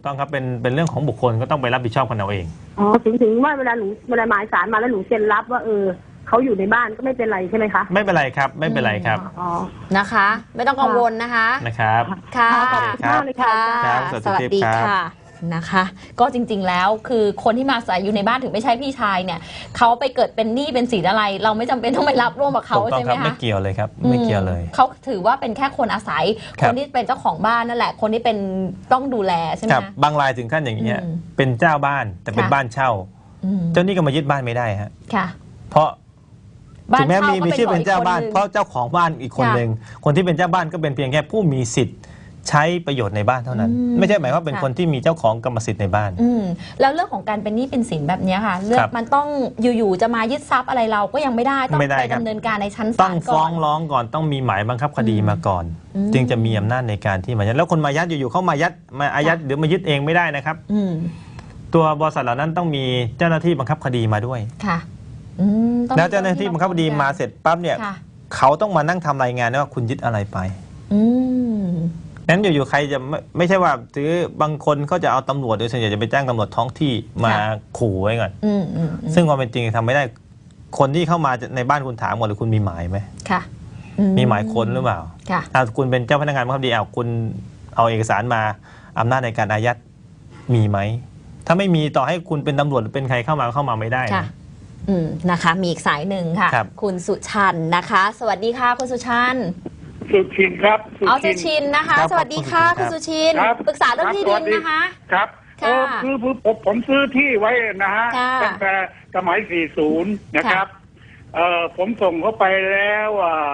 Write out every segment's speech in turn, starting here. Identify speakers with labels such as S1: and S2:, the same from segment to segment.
S1: ต้องครับเป็นเรื่องของบุคคลก็ต้องไปรับผิดชอบกันเอาเอง
S2: อ๋อถึงว่าเวลาหมายสารมาแล้วหนูเซ็นรับว่าเขาอยู่ในบ้านก็ไม่เป็นไรใช่ไหมคะ
S1: ไม่เป็นไรครับไม่เป็นไรครับ
S2: อ๋อ
S3: นะคะไม่ต้องกังวลนะคะ
S1: นะครับ
S3: ค่ะ
S2: ขอบคุณมากเลยค่ะ
S3: สวัสดีค่ะนะคะก็จริงๆแล้วคือคนที่มาอาศัยอยู่ในบ้านถึงไม่ใช่พี่ชายเนี่ยเขาไปเกิดเป็นหนี้เป็นสินอะไรเราไม่จำเป็นต้องไปรับร่วมกับเขาใช่ไหมคะ
S1: ไม่เกี่ยวเลยครับไม่เกี่ยวเลย
S3: เขาถือว่าเป็นแค่คนอาศัยคนที่เป็นเจ้าของบ้านนั่นแหละคนที่เป็นต้องดูแลใช่ไหม
S1: ครับบางรายถึงขั้นอย่างนี้เป็นเจ้าบ้านแต่เป็นบ้านเช่าเจ้าหนี้ก็มายึดบ้านไม่ได้ฮะเพราะถึงแม้มีชื่อเป็นเจ้าบ้านเพราะเจ้าของบ้านอีกคนหนึ่งคนที่เป็นเจ้าบ้านก็เป็นเพียงแค่ผู้มีสิทธิ์ใช้ประโยชน์ในบ้านเท่านั้นไม่ใช่หมายว่าเป็นคนที่มีเจ้าของกรรมสิทธิ์ในบ้าน
S3: แล้วเรื่องของการเป็นหนี้เป็นสินแบบนี้ค่ะเรื่องมันต้องอยู่ๆจะมายึดทรัพย์อะไรเราก็ยังไม่ได้ต้องไปดำเนินการในชั้นศาลก่อน
S1: ต้องฟ้องร้องก่อนต้องมีหมายบังคับคดีมาก่อนจึงจะมีอำนาจในการที่มายัดแล้วคนมายัดอยู่ๆเขามายัดมาอายัดหรือมายึดเองไม่ได้นะครับตัวบริษัทเหล่านั้นต้องมีเจ้าหน้าที่บังคับคดีมาด้วย
S3: ค่ะ
S1: แล้วเจ้าหน้าที่บังคับคดีมาเสร็จปั๊บเนี่ยเขาต้องมานั่งทำรายงานว่าคุณยึดอะไรไปนั้นอยู่ๆใครจะไม่ใช่ว่าถือบางคนเขาจะเอาตำรวจโดยส่วนใหญ่จะไปจ้างตำรวจท้องที่มาขู่ไว้ก่อนซึ่งความเป็นจริงทำไม่ได้คนที่เข้ามาในบ้านคุณถามก่อนเลยคุณมีหมายไหม
S3: ค่ะ
S1: มีหมายค้นหรือเปล่าถ้าคุณเป็นเจ้าพนักงานบังคับคดีคุณเอาเอกสารมาอำนาจในการอายัดมีไหมถ้าไม่มีต่อให้คุณเป็นตำรวจหรือเป็นใครเข้ามาไม่ได้
S3: นะคะมีอีกสายหนึ่งค่ะคุณสุชันนะคะสวัสดีค่ะคุณสุชัน
S4: สุชินครับ
S3: สุชินนะคะสวัสดีค่ะคุณสุชินปรึกษาเรื่องที่ดินนะคะ
S4: ครับคือผมซื้อที่ไว้นะฮะตั้งแต่สมัย40นะครับผมส่งเข้าไปแล้ว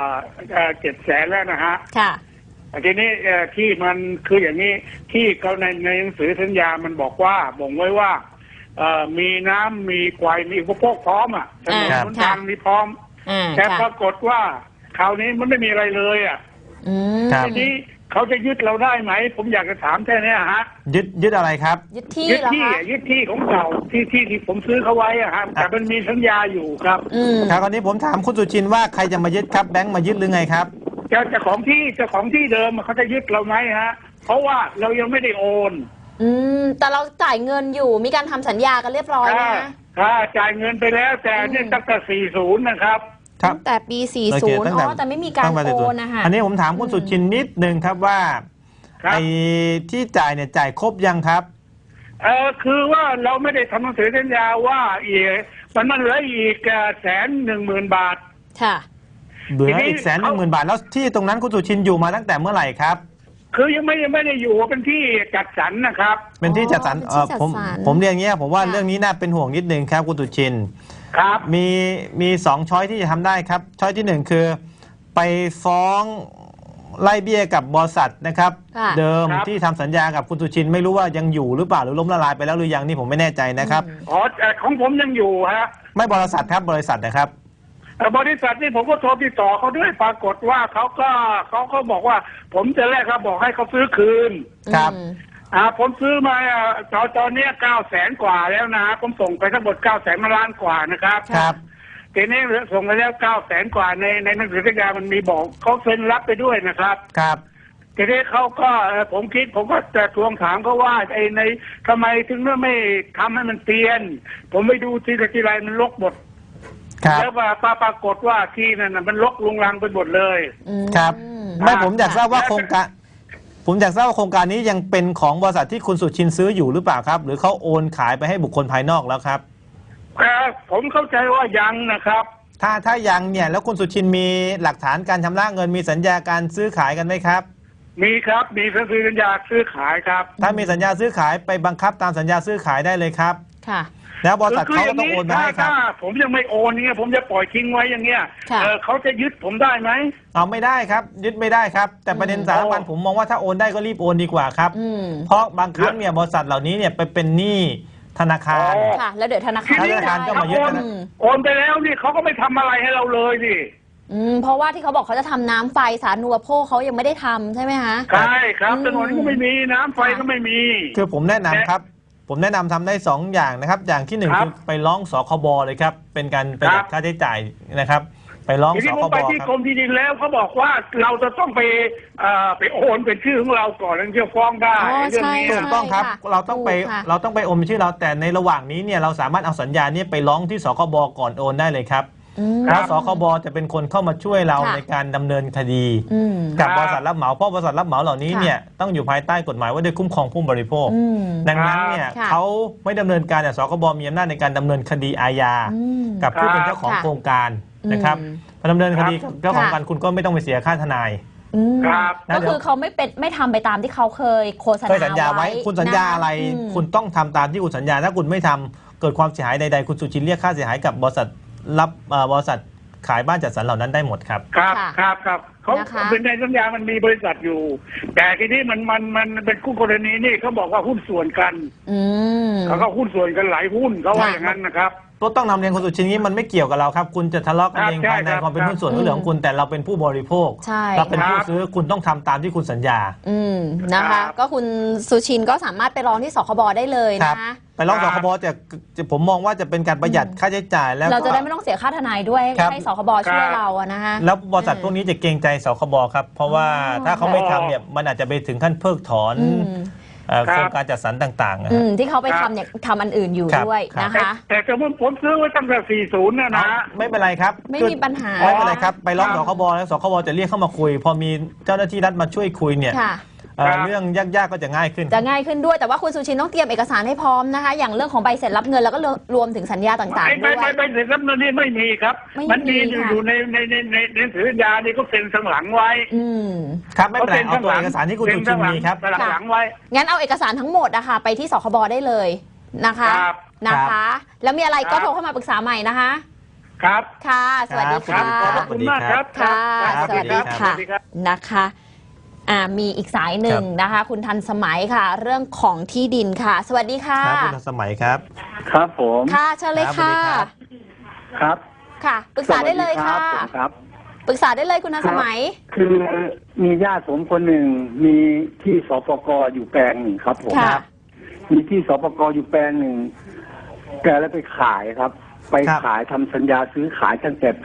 S4: 700,000แล้วนะฮะทีนี้ที่มันคืออย่างนี้ที่เขาในหนังสือสัญญามันบอกว่าบ่งไว้ว่ามีน้ำมีไฟมีอุปโภคพร้อมอ่ะถนนหนทางมีพร้อมแต่ปรากฏว่าคราวนี้มันไม่มีอะไรเลยอ่ะทีนี้เขาจะยึดเราได้ไหมผมอยากจะถามแค่นี้ฮะ
S1: ยึดอะไรครับ
S3: ยึดที่
S4: ของเก่าที่ผมซื้อเขาไว้อ่ะครับแต่มันมีสัญญาอยู่ครับ
S1: ครับตอนนี้ผมถามคุณสุชินว่าใครจะมายึดครับแบงค์มายึดหรือไงครับ
S4: เจ้าของที่เดิมเขาจะยึดเราไหมฮะเพราะว่าเรายังไม่ได้โอน
S3: แต่เราจ่ายเงินอยู่มีการทำสัญญากันเรียบร้อยนะ
S4: จ่ายเงินไปแล้วแต่เนี่ยตั้งแต่40นะครับ
S3: ตั้งแต่ปี40แต่ไม่มีการโอนนะคะ
S1: อันนี้ผมถามคุณสุชินนิดนึงครับว่าไอ้ที่จ่ายเนี่ยจ่ายครบยังครับ
S4: คือว่าเราไม่ได้ทำหนังสือสัญญาว่ามันเหลืออีก110,000 บาท
S3: ค่ะ
S1: เหลืออีก110,000 บาทแล้วที่ตรงนั้นคุณสุชินอยู่มาตั้งแต่เมื่อไหร่ครับ
S4: คือยังไม่ได้อยู่เป็นที่จัดสรรนะครับ
S1: เป็นที่จัดสรรผมเรียนอย่างเงี้ยผมว่าเรื่องนี้น่าเป็นห่วงนิดนึงครับคุณสุชิน
S4: ครับ
S1: มี2ช้อยที่จะทำได้ครับช้อยที่1คือไปฟ้องไล่เบี้ยกับบริษัทนะครับเดิมที่ทำสัญญากับคุณสุชินไม่รู้ว่ายังอยู่หรือเปล่าหรือล้มละลายไปแล้วหรือยังนี่ผมไม่แน่ใจนะครับ
S4: ของผมยังอยู่ฮะ
S1: ไม่บริษัทครับบริษัทนะครับ
S4: บริษัทนี่ผมก็โทรติดต่อเขาด้วยปรากฏว่าเขาก็บอกว่าผมจะแรกครับบอกให้เขาซื้อคืน
S1: ครับ
S4: ผมซื้อมาตอนนี้900,000 กว่าแล้วนะผมส่งไปทั้งหมด900,000 ล้านกว่านะครับ
S1: ครับ
S4: ทีนี้ส่งไปแล้ว900,000 กว่าในหนังสือสัญญามันมีบอกเขาเซ็นรับไปด้วยนะครับ
S1: ครับ
S4: ทีนี้เขาก็ผมก็จะทวงถามเขาว่าในทำไมถึงไม่ทำให้มันเตียนผมไปดูทีไรมันรกหมดแล้วปรากฏว่าที่นั่นมันรกลุงรังไปหมดเลย
S1: ครับไม่ผมอยากทราบว่าโครงการนี้ยังเป็นของบริษัทที่คุณสุชินซื้ออยู่หรือเปล่าครับหรือเขาโอนขายไปให้บุคคลภายนอกแล้วครับ
S4: ผมเข้าใจว่ายังนะครับ
S1: ถ้ายังเนี่ยแล้วคุณสุชินมีหลักฐานการชำระเงินมีสัญญาการซื้อขายกันไหมครับ
S4: มีครับมีสัญญาซื้อขายครับ
S1: ถ้ามีสัญญาซื้อขายไปบังคับตามสัญญาซื้อขายได้เลยครับ
S3: ค่ะ
S1: แล้วบริษัทเขาก็ต้องโอนมาให้ครับ
S4: ผมยังไม่โอนเนี่ยผมจะปล่อยทิ้งไว้อย่างเงี้ยเขาจะยึดผมได้ไหม
S1: เอาไม่ได้ครับยึดไม่ได้ครับแต่ประเด็นสำคัญผมมองว่าถ้าโอนได้ก็รีบโอนดีกว่าครับเพราะบางครั้งเนี่ยบริษัทเหล่านี้เนี่ยไปเป็นหนี้ธนาคาร
S3: ค่ะแล้วเดี๋ยวธนาคาร
S1: ก็มายึด
S4: โอนไปแล้วนี่เขาก็ไม่ทำอะไรให้เราเลยดิ
S3: เพราะว่าที่เขาบอกเขาจะทำน้ำไฟสาธารณูปโภคเขายังไม่ได้ทำใช่ไหมคะ
S4: ใช่ครับถนนก็ไม่มีน้ำไฟก็ไม่มี
S1: คือผมแนะนำครับผมแนะนำทำได้2 อย่างนะครับอย่างที่1คือไปร้องสคบเลยครับเป็นการประหยัดค่าใช้จ่ายนะครับไปร้อง
S4: ที
S1: ส
S4: นี้
S1: ค
S4: ผม
S1: บ
S4: ไปที่
S1: ค
S4: กร
S1: รับ
S4: มที่ดินแล้วเขาบอกว่าเราจะต้องไปโอนเป็นชื่อของเราก่อนแล้วจะฟ้องได้
S3: อ๋อ
S4: เรื่องนี้
S3: ใช่
S1: ถูกต้องครับ
S3: ค่ะ
S1: เราต้องไป
S3: ถูกค่ะ
S1: เราต้องไปโอนเป็นชื่อเราแต่ในระหว่างนี้เนี่ยเราสามารถเอาสัญญาเนี่ยไปร้องที่สคบก่อนโอนได้เลยครับ
S3: อืม
S1: แล้วสคบจะเป็นคนเข้ามาช่วยเรา
S3: ค่ะ
S1: ในการดำเนินคดี
S3: อืม
S1: กับบริษัทรับเหมาเพราะบริษัทรับเหมาเหล่านี้
S3: ค่ะ
S1: เนี่ยต้องอยู่ภายใต้กฎหมายว่าด้วยคุ้มครองผู้บริโภค
S3: อืม
S1: ดังนั้นเนี่ย
S3: ค่ะ
S1: เขาไม่ดำเนินการแต่สคบมีอำนาจในการดำเนินคดีอาญา
S3: อืม
S1: กับผู้เป็นเจ้าของ
S3: ค่ะ
S1: โครงการนะครับ
S3: อืม
S1: พอดำเนินคดีกับเจ้าของการคุณก็ไม่ต้องไปเสียค่าทนาย
S3: อืม
S4: ครับ
S3: ก็คือเขาไม่ทำไปตามที่เขาเคยโฆษณา
S1: เคยสัญญาไว้คุณสัญญาอะไร
S3: อืม
S1: คุณต้องทำตามที่คุณสัญญาถ้าคุณไม่ทำเกิดความเสียหายใดๆคุณสุชินเรียกค่าเสียหายกับบริษัทบริษัทขายบ้านจัดสรรเหล่านั้นได้หมดครับ
S4: ครับ
S3: ค่ะ
S4: ครับเขา
S3: นะคะ
S4: เป็นในสัญญามันมีบริษัทอยู่ แต่ทีนี้มันเป็นคู่กรณีนี่เขาบอกว่าหุ้นส่วนกัน
S3: อืม
S4: เขาก็หุ้นส่วนกันหลายหุ้นเขาว่า
S3: ค่ะ
S4: อย่างนั้นนะครับ
S1: ก็ต้องนำเรียนคุณสุชินนี้มันไม่เกี่ยวกับเราครับ คุณจะทะเลาะกันเอง
S4: ครับ
S1: ภายใน
S4: ใช่ครับ
S1: ความเป็นหุ้นส่วนก็เรื่องของคุณแต่เราเป็นผู้บริโภค
S3: ใช่
S1: เราเป็นผู้
S4: ครับ
S1: ซื้อคุณต้องทำตามที่คุณสัญญา
S3: อืมนะ
S4: ครั
S3: คะ
S4: บ
S3: ก็คุณสุชินก็สามารถไปร้องที่สคบได้เลย
S1: ครับ
S3: นะ
S1: ไปร้อง
S4: ค
S1: ส
S4: รับ
S1: คบจะผมมองว่าจะเป็นการประหยัดค่าใช้จ่ายแล้ว
S3: เรา
S1: ก็
S3: จะได้ไม่ต้องเสียค่าทนายด้วย
S1: ครับ
S3: ให้สคบช่วยเราอะนะคะ
S1: แล้วบริษัทพวกนี้จะเกรงใจสคบครับ เพราะว่า
S3: อ๋อ
S1: ถ้าเขาไม่ทำเนี่ยมันอาจจะไปถึงขั้นเพิกถอน
S3: อืม
S1: โครงการจัดสรรต่างๆนะ
S3: อื
S1: ฮะ
S3: มที่เขาไปทำเนี่ยทำอันอื่นอยู่
S1: ครับ
S3: ด้วย
S1: ครับ
S3: นะคะ
S4: แต่สมมติผมซื้อไว้ตั้งแต่40นะนะ
S1: ไม่เป็นไรครับ
S3: ไม่มีปัญหา
S1: ไม่เป็นไรครับไปร้อง
S4: ค
S1: ส
S4: รับ
S1: คบแล้วสคบจะเรียกเข้ามาคุย พอมีเจ้าหน้าที่รัฐมาช่วยคุยเนี่ย
S3: ค่ะ
S4: ครับ
S1: เรื่องยากๆก็จะง่ายขึ้น
S3: จะง่ายขึ้นด้วยแต่ว่าคุณสุชินต้องเตรียมเอกสารให้พร้อมนะคะ อย่างเรื่องของใบเสร็จรับเงินแล้วก็รวมถึงสัญญาต่างๆด้วย
S4: ไม่เสร็จรับเงินนี่ไม่มีครับ
S3: ไม่มี
S4: มันมีอยู่
S3: ค่ะ
S4: อยู่ในหนังสือสัญญานี่ก็เซ็นข้างหลังไว้
S3: อืม
S1: ครับไม่เป็นไรเอาตัวเอกสารที่คุณสุชินมีครับ
S4: เซ็นข้างหลังไว้
S3: งั้นเอาเอกสารทั้งหมดนะคะไปที่สคบได้เลยนะคะ
S4: ครับ
S3: นะคะ แล้วมีอะไรก็
S4: ครับ
S3: โทรเข้ามาปรึกษาใหม่นะคะ
S4: ครับ
S3: ค่ะ สวัสดี
S1: ครั
S3: ค่ะ
S1: บ
S4: ขอบคุณมากครับ
S3: ค่ะ
S4: ครับ
S3: สวัสดี
S4: รับ
S3: ค่ะ
S4: สวัสดีครับ
S3: นะคะมีอีกสายหนึ่งนะคะ คุณทันสมัยค่ะ เรื่องของที่ดินค่ะ สวัสดีค่ะ
S1: ครับคุณทันสมัยครับ
S5: ครับผม
S3: ค่ะเชิญเลยค่ะ
S1: ครับ
S5: ครับ
S3: ค่ะ ปรึกษาได้เลยค่ะ
S5: สวัสดีรับผมครับ
S3: ปรึกษาได้เลยคุณทันสมัย
S5: คือมีญาติผมคนหนึ่งมีที่สปกอยู่แปลงหนึ่งครับผม
S3: ค่ะ
S5: มีที่สปกอยู่แปลงหนึ่งแกแล้วไปขายครับ ไป
S1: ครับ
S5: ขายทำสัญญาซื้อขายตั้งแต่ปี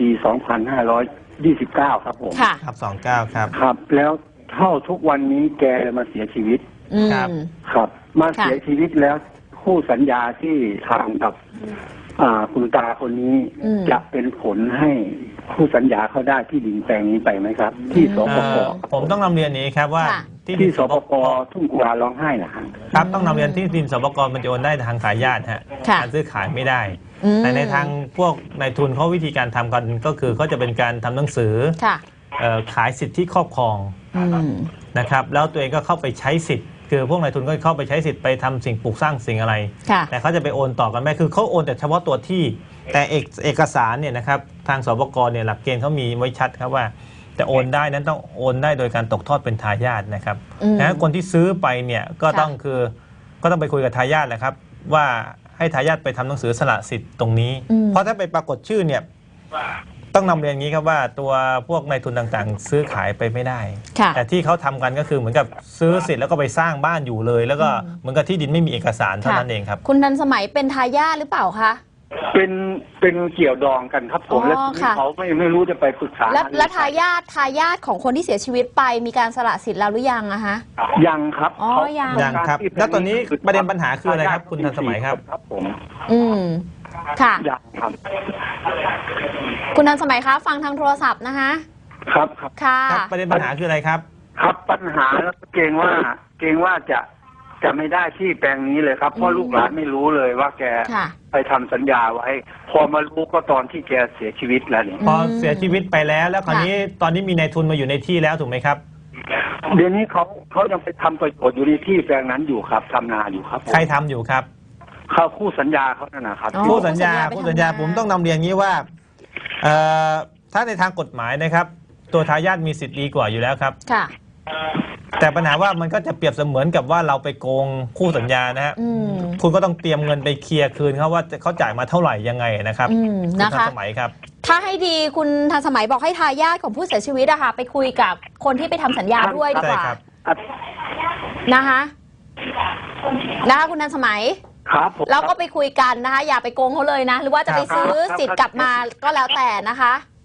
S5: 2529 ครับผม
S3: ค่ะ
S1: ครับ29ครับ
S5: ครับ แล้วเท่าทุกวันนี้แกเลยมาเสียชีวิต
S3: อืม
S1: ครับ
S5: ครับ มา
S3: ค่ะ
S5: เสียชีวิตแล้วคู่สัญญาที่ทำกับคุณตาคนนี้
S3: อืม
S5: จะเป็นผลให้คู่สัญญาเขาได้ที่ดินแปลงนี้ไปไหมครับ ที่สปก
S1: ผมต้องนำเรียนอย่างนี้ครับว่า
S3: ค่ะ
S5: ที่สปกทุ่งกุลาร้องไห้นะฮะ
S1: ครับต้องนำเรียนที่ดินสปกมันจะโอนได้ทางทายาทฮะ
S3: ค่ะ
S1: การซื้อขายไม่ได้
S3: อืม
S1: แต่ในทางพวกนายทุนเขาวิธีการทำกันก็คือเขาจะเป็นการทำหนังสือ
S3: ค่ะ
S1: ขายสิทธิที่ครอบครอง
S3: อืม
S1: นะครับแล้วตัวเองก็เข้าไปใช้สิทธิ์คือพวกนายทุนก็เข้าไปใช้สิทธิ์ไปทำสิ่งปลูกสร้างสิ่งอะไร
S3: ค่ะ
S1: แต่เขาจะไปโอนต่อกันไม่คือเขาโอนแต่เฉพาะตัวที่แต่เอกสารเนี่ยนะครับทางสปกเนี่ยหลักเกณฑ์เขามีไว้ชัดครับว่าแต่โอนได้นั้นต้องโอนได้โดยการตกทอดเป็นทายาทนะครับ
S3: อืม
S1: ดังนั้นคนที่ซื้อไปเนี่ยก็
S3: ค่ะ
S1: ต้องคือก็ต้องไปคุยกับทายาทแหละครับว่าให้ทายาทไปทำหนังสือสละสิทธิ์ตรงนี้ เพราะถ้าไปปรากฏชื่อเนี่ยต้องนำเรียนอย่างนี้ครับว่าตัวพวกนายทุนต่างๆ ซื้อขายไปไม่ได้
S3: ค่ะ
S1: แต่ที่เขาทำกันก็คือเหมือนกับซื้อเสร็จแล้วก็ไปสร้างบ้านอยู่เลย แล้วก็เหมือนกับที่ดินไม่มีเอกสารเท่านั้นเองครับ
S3: คุณทันสมัยเป็นทายาทหรือเปล่าคะ
S5: เป็นเกี่ยวดองกันครับผม
S3: อ๋อ
S5: แล้ว
S3: ค่ะ
S5: เขาไม่รู้จะไปปรึกษา
S3: และทายาทของคนที่เสียชีวิตไปมีการสละสิทธิ์แล้วหรือยังอะฮะ
S5: ยังครับ
S3: อ๋อ
S5: เขา
S3: ยัง
S1: ยังครับ แล้วตอนนี้ประเด็นปัญหาคืออะไรครับคุณทันสมัยครับ
S5: ครับผม
S3: อืมค่ะ
S5: ยังครับ
S3: คุณทันสมัยคะฟังทางโทรศัพท์นะคะ
S5: ครับครับ
S3: ค่ะ
S1: ครับประเด็นปัญหาคืออะไรครับ
S5: ครับปัญหาแล้วเกรงว่าจะไม่ได้ที่แปลงนี้เลยครับเพราะลูกหลานไม่รู้เลยว่าแก
S3: ค่ะ
S5: ไปทำสัญญาไว้ พอมารู้ก็ตอนที่แกเสียชีวิตแล้วเนี่ย
S1: พอเสียชีวิตไปแล้วแล้วคราวนี้ตอนนี้มีนายทุนมาอยู่ในที่แล้วถูกไหมครับ
S5: เดี๋ยวนี้เขายังไปทำประโยชน์อยู่ในที่แปลงนั้นอยู่ครับทำนาอยู่ครับผม
S1: ใครทำอยู่ครับ
S5: เขาคู่สัญญาเขานั่นนะครับ
S3: อ๋อ
S1: ผู้สัญญา
S3: ไป
S1: ผู้
S3: ทำ
S1: สัญญา
S3: นา
S1: ผมต้องนำเรียนงี้ว่าถ้าในทางกฎหมายนะครับ ตัวทายาทมีสิทธิ์ดีกว่าอยู่แล้วครับ
S3: ค่ะ
S1: แต่ปัญหาว่ามันก็จะเปรียบเสมือนกับว่าเราไปโกงคู่สัญญานะฮะ
S3: อืม
S1: คุณก็ต้องเตรียมเงินไปเคลียร์คืนเขาว่าเขาจ่ายมาเท่าไหร่ยังไงนะครับ
S3: อืม
S1: ณ
S3: นะ
S1: ทั
S3: คะ
S1: สมัยครับ
S3: ถ้าให้ดีคุณทันสมัยบอกให้ทายาทของผู้เสียชีวิตอะค่ะ ไปคุยกับคนที่ไปทำสัญญาด้วยดีกว่า
S1: ใช่ครับ
S3: นะคะคุณทันสมัย
S5: ครับผม
S3: เราก็ไปคุยกันนะคะ อย่าไปโกงเขาเลยนะ หรือว่าจะไปซื้อสิทธิ์กลับมาก็แล้วแต่นะคะ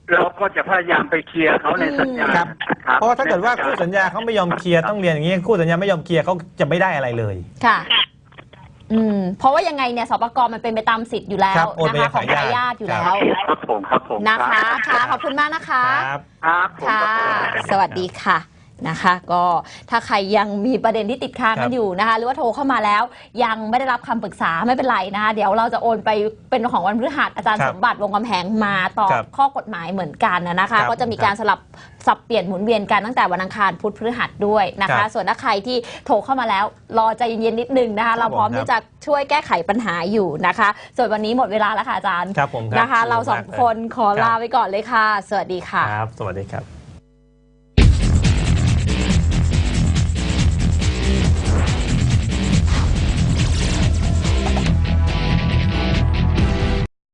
S5: เราก็จะพยายามไปเคลียร์เขาในสัญญา
S1: ครับ
S5: ครับ
S1: เพราะว่าถ้าเกิดว่าคู่สัญญาเขาไม่ยอมเคลียร์ต้องเรียนอย่างนี้คู่สัญญาไม่ยอมเคลียร์เขาจะไม่ได้อะไรเลย
S3: ค่ะเพราะว่ายังไงเนี่ยสปก.มันเป็นไปตามสิทธิ์อยู่แล้ว
S1: ครับโอนไป
S3: นะคะของ
S1: ให้
S3: ทายาทอยู่แล้ว
S5: ครับผม
S3: นะคะค่ะขอบคุณมากนะคะ
S1: ครับ
S5: ครับผม
S3: ค่ะ สวัสดีค่ะนะคะ ก็ถ้าใครยังมีประเด็นที่ติดค้างกันอยู่นะคะ หรือว่าโทรเข้ามาแล้วยังไม่ได้รับคำปรึกษาไม่เป็นไรนะคะ เดี๋ยวเราจะโอนไปเป็นของวันพฤหัสอาจารย์
S1: ครับ
S3: สมบัติวงศ์กำแหงมาตอบ
S1: ครับ
S3: ข้อกฎหมายเหมือนกันนะคะ
S1: ครับ
S3: ก็จะมีการสลับสับเปลี่ยนหมุนเวียนกันตั้งแต่วันอังคารพุธพฤหัสด้วยนะ
S1: ครั
S3: คะ
S1: บ
S3: ส่วนถ้าใครที่โทรเข้ามาแล้วรอใจเย็นๆนิดนึงนะคะ เราพร้อม
S1: ครับ
S3: ที่จะช่วยแก้ไขปัญหาอยู่นะคะ ส่วนวันนี้หมดเวลาแล้วค่ะอาจารย์
S1: ครับผมครับ
S3: นะคะ เราสองคนขอ
S1: ครับ
S3: ลาไปก่อนเลยค่ะ สวัสดีค่ะ
S1: ครับ สวัสดีครับ